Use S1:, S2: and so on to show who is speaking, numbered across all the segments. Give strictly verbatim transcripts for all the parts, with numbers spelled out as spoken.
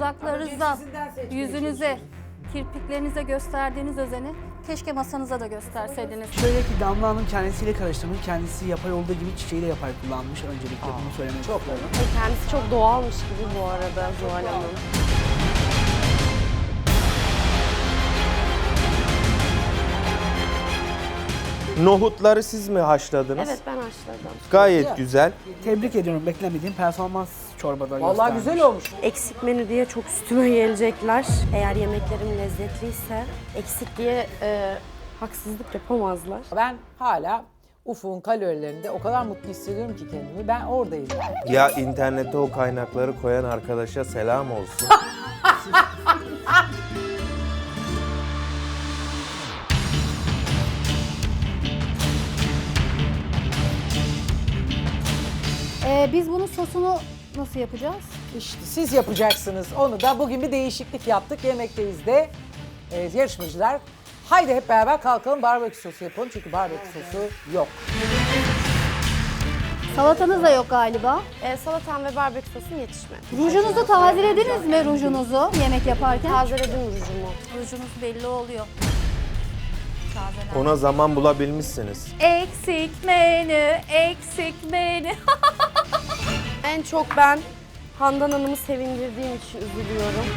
S1: dudaklarınıza, yüzünüze, kirpiklerinize gösterdiğiniz özeni keşke masanıza da gösterseydiniz.
S2: Şöyle ki Damla Hanım kendisiyle karıştırmış, kendisi yapay olduğu gibi çiçeği de yapay kullanmış. Öncelikle bunu söylemek
S3: Çok
S2: istiyorum.
S3: Kendisi çok doğalmış gibi bu arada Zuhal Hanım.
S4: Nohutları siz mi haşladınız?
S3: Evet, ben haşladım.
S4: Gayet güzel.
S2: Tebrik ediyorum, beklemediğim performans çorbada
S5: Vallahi
S2: göstermiş.
S5: güzel olmuş.
S3: Eksik menü diye çok üstüme gelecekler. Eğer yemeklerim lezzetliyse eksik diye e, haksızlık yapamazlar.
S5: Ben hala Ufuk'un kalorilerinde o kadar mutlu hissediyorum ki kendimi. Ben oradayım.
S4: Ya internete o kaynakları koyan arkadaşa selam olsun.
S1: Ee, biz bunun sosunu nasıl yapacağız?
S5: İşte siz yapacaksınız. Onu da bugün bir değişiklik yaptık. Yemekteyiz de e, yarışmacılar. Haydi hep beraber kalkalım barbekü sosu yapalım. Çünkü barbekü sosu yok.
S1: Salatanız da yok galiba.
S3: E, salatam ve barbekü sosum yetişmedi.
S1: Rujunuzu tazelediniz mi rujunuzu yemek yaparken?
S3: Tazeledim rujumu.
S1: Rujunuz belli oluyor.
S4: Ona zaman bulabilmişsiniz.
S1: Eksik menü, eksik menü.
S3: En çok ben Handan Hanım'ı sevindirdiğim için üzülüyorum.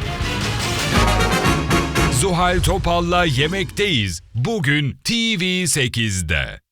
S6: Zuhal Topal'la Yemekteyiz. Bugün T V sekizde.